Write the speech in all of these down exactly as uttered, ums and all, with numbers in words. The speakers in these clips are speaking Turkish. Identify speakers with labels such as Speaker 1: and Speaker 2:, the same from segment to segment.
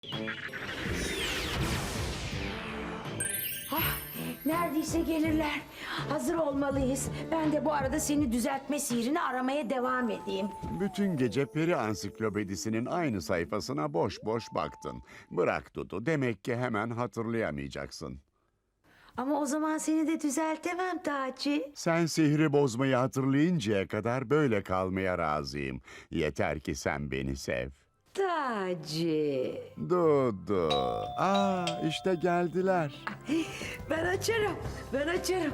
Speaker 1: Ah, neredeyse gelirler. Hazır olmalıyız. Ben de bu arada seni düzeltme sihrini aramaya devam edeyim.
Speaker 2: Bütün gece peri ansiklopedisinin aynı sayfasına boş boş baktın. Bırak Dudu, demek ki hemen hatırlayamayacaksın.
Speaker 1: Ama o zaman seni de düzeltemem Taci.
Speaker 2: Sen sihri bozmayı hatırlayıncaya kadar böyle kalmaya razıyım. Yeter ki sen beni sev.
Speaker 1: Taci.
Speaker 2: Dudu. Aa, işte geldiler.
Speaker 1: Ben açarım. Ben açarım.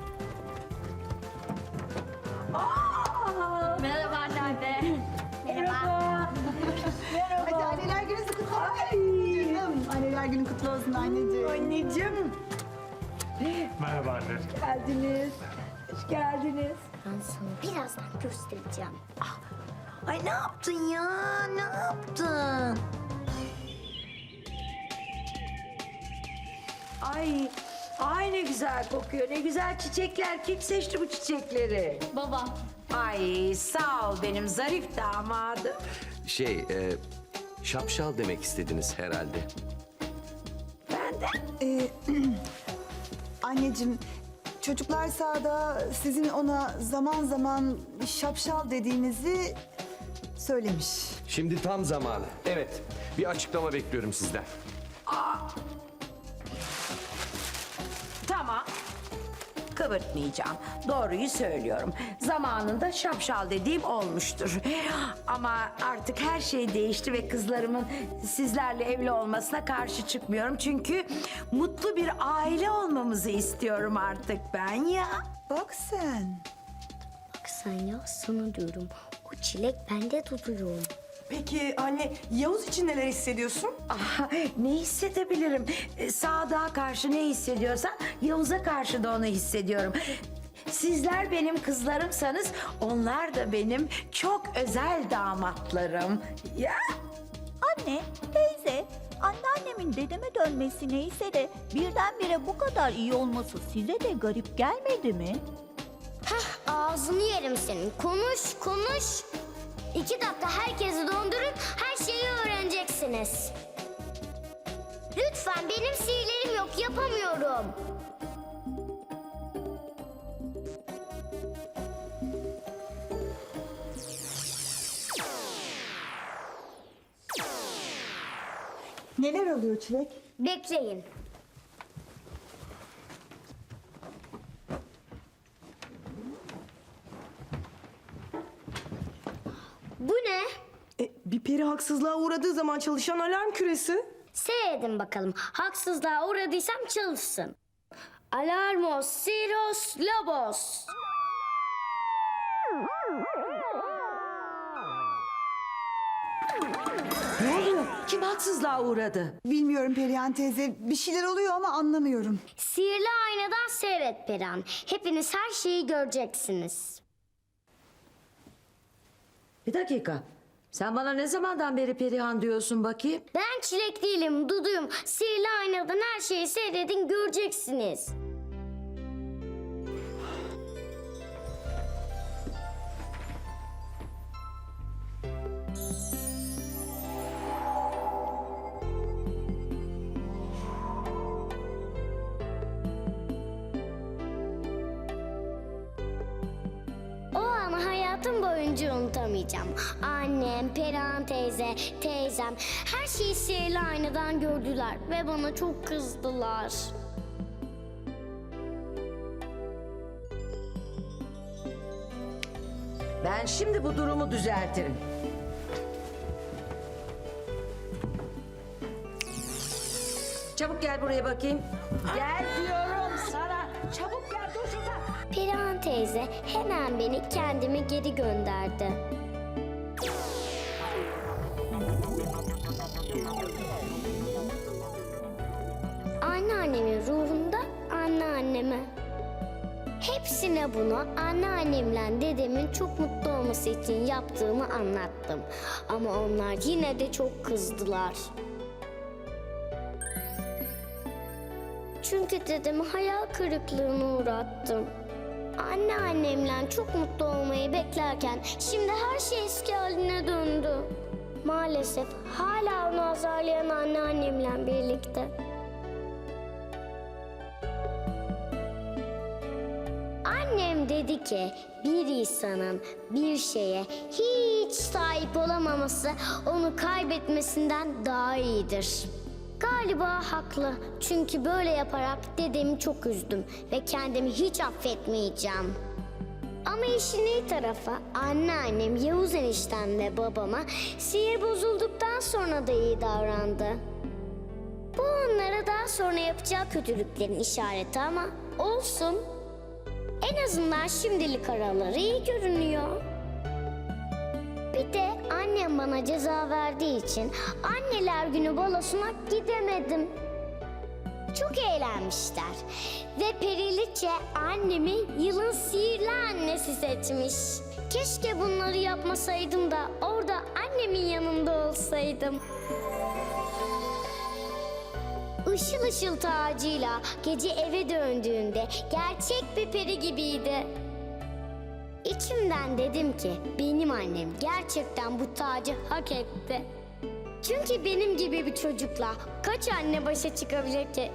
Speaker 1: Aa!
Speaker 3: Merhaba anneanne.
Speaker 1: Merhaba.
Speaker 4: Hadi anneler gününüz kutlu olsun. Canım, anneler günün kutlu olsun anneciğim.
Speaker 1: Anneciğim.
Speaker 5: Merhaba anne.
Speaker 1: Geldiniz. Hoş geldiniz.
Speaker 3: Ben sana birazdan göstereceğim.
Speaker 1: Ay ne yaptın ya? Ne yaptın? Ay, ay ne güzel kokuyor. Ne güzel çiçekler. Kim seçti bu çiçekleri?
Speaker 3: Baba.
Speaker 1: Ay sağ ol benim zarif damadım.
Speaker 6: Şey, e, şapşal demek istediniz herhalde.
Speaker 1: Ben de.
Speaker 4: Ee, anneciğim, çocuklar sahada sizin ona zaman zaman şapşal dediğinizi söylemiş.
Speaker 6: Şimdi tam zamanı. Evet, bir açıklama bekliyorum sizden.
Speaker 1: Tamam. Kıvırtmayacağım. Doğruyu söylüyorum. Zamanında şapşal dediğim olmuştur. Ama artık her şey değişti ve kızlarımın sizlerle evli olmasına karşı çıkmıyorum. Çünkü mutlu bir aile olmamızı istiyorum artık ben ya.
Speaker 4: Bak sen.
Speaker 3: Bak sen ya sana diyorum. O çilek bende tutuyor.
Speaker 7: Peki anne, Yavuz için neler hissediyorsun?
Speaker 1: Ah, ne hissedebilirim? Ee, Sadık'a karşı ne hissediyorsam Yavuz'a karşı da onu hissediyorum. Sizler benim kızlarımsanız onlar da benim çok özel damatlarım. Ya
Speaker 8: Anne, teyze, anneannemin dedeme dönmesi neyse de birdenbire bu kadar iyi olması size de garip gelmedi mi?
Speaker 3: Ağzını yerim senin. Konuş konuş. İki dakika herkesi dondurun. Her şeyi öğreneceksiniz. Lütfen benim sihirlerim yok. Yapamıyorum.
Speaker 4: Neler oluyor Çilek?
Speaker 3: Bekleyin. Bu ne?
Speaker 7: E, bir peri haksızlığa uğradığı zaman çalışan alarm küresi.
Speaker 3: Seyredin bakalım. Haksızlığa uğradıysam çalışsın. Alarmos, Siros, Lobos.
Speaker 1: ne oluyor? Kim haksızlığa uğradı?
Speaker 4: Bilmiyorum Perihan teyze. Bir şeyler oluyor ama anlamıyorum.
Speaker 3: Sihirli aynadan seyret Perihan. Hepiniz her şeyi göreceksiniz.
Speaker 1: Bir dakika. Sen bana ne zamandan beri Perihan diyorsun bakayım?
Speaker 3: Ben çilek değilim, Duduyum. Sihirli aynadan her şeyi seyredin, göreceksiniz. O anı hayatım boyunca unutamayacağım. Annem, Perihan teyze, teyzem her şeyi sihirli aynadan gördüler ve bana çok kızdılar.
Speaker 1: Ben şimdi bu durumu düzeltirim. Çabuk gel buraya bakayım. Gel diyorum sana. Çabuk gel dur şurada.
Speaker 3: Perihan teyze hemen beni kendime geri gönderdi. Anneannemin ruhunda anneanneme. Hepsine bunu anneannemle dedemin çok mutlu olması için yaptığımı anlattım. Ama onlar yine de çok kızdılar. Çünkü dedemi hayal kırıklığına uğrattım. Anneannemle çok mutlu olmayı beklerken şimdi her şey eski haline döndü. maalesef hala onu azarlayan anneannemle birlikte. Annem dedi ki bir insanın bir şeye hiç sahip olamaması onu kaybetmesinden daha iyidir. Galiba haklı. Çünkü böyle yaparak dedemi çok üzdüm ve kendimi hiç affetmeyeceğim. Ama işin iyi tarafı anneannem, Yavuz eniştem ve babama sihir bozulduktan sonra da iyi davrandı. Bu onlara daha sonra yapacağı kötülüklerin işareti ama olsun. En azından şimdilik araları iyi görünüyor. Bir de annem bana ceza verdiği için anneler günü balosuna gidemedim. Çok eğlenmişler ve Periliçe annemi yılın sihirli annesi seçmiş. Keşke bunları yapmasaydım da orada annemin yanında olsaydım. Işıl ışıl tacıyla gece eve döndüğünde gerçek bir peri gibiydi. İçimden dedim ki benim annem gerçekten bu tacı hak etti. Çünkü benim gibi bir çocukla kaç anne başa çıkabilir ki?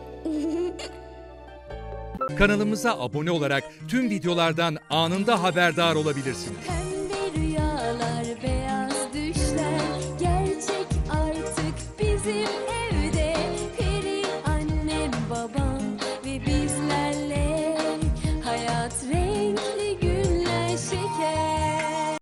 Speaker 9: Kanalımıza abone olarak tüm videolardan anında haberdar olabilirsiniz.
Speaker 10: Pembe rüyalar, beyaz düşler gerçek artık bizim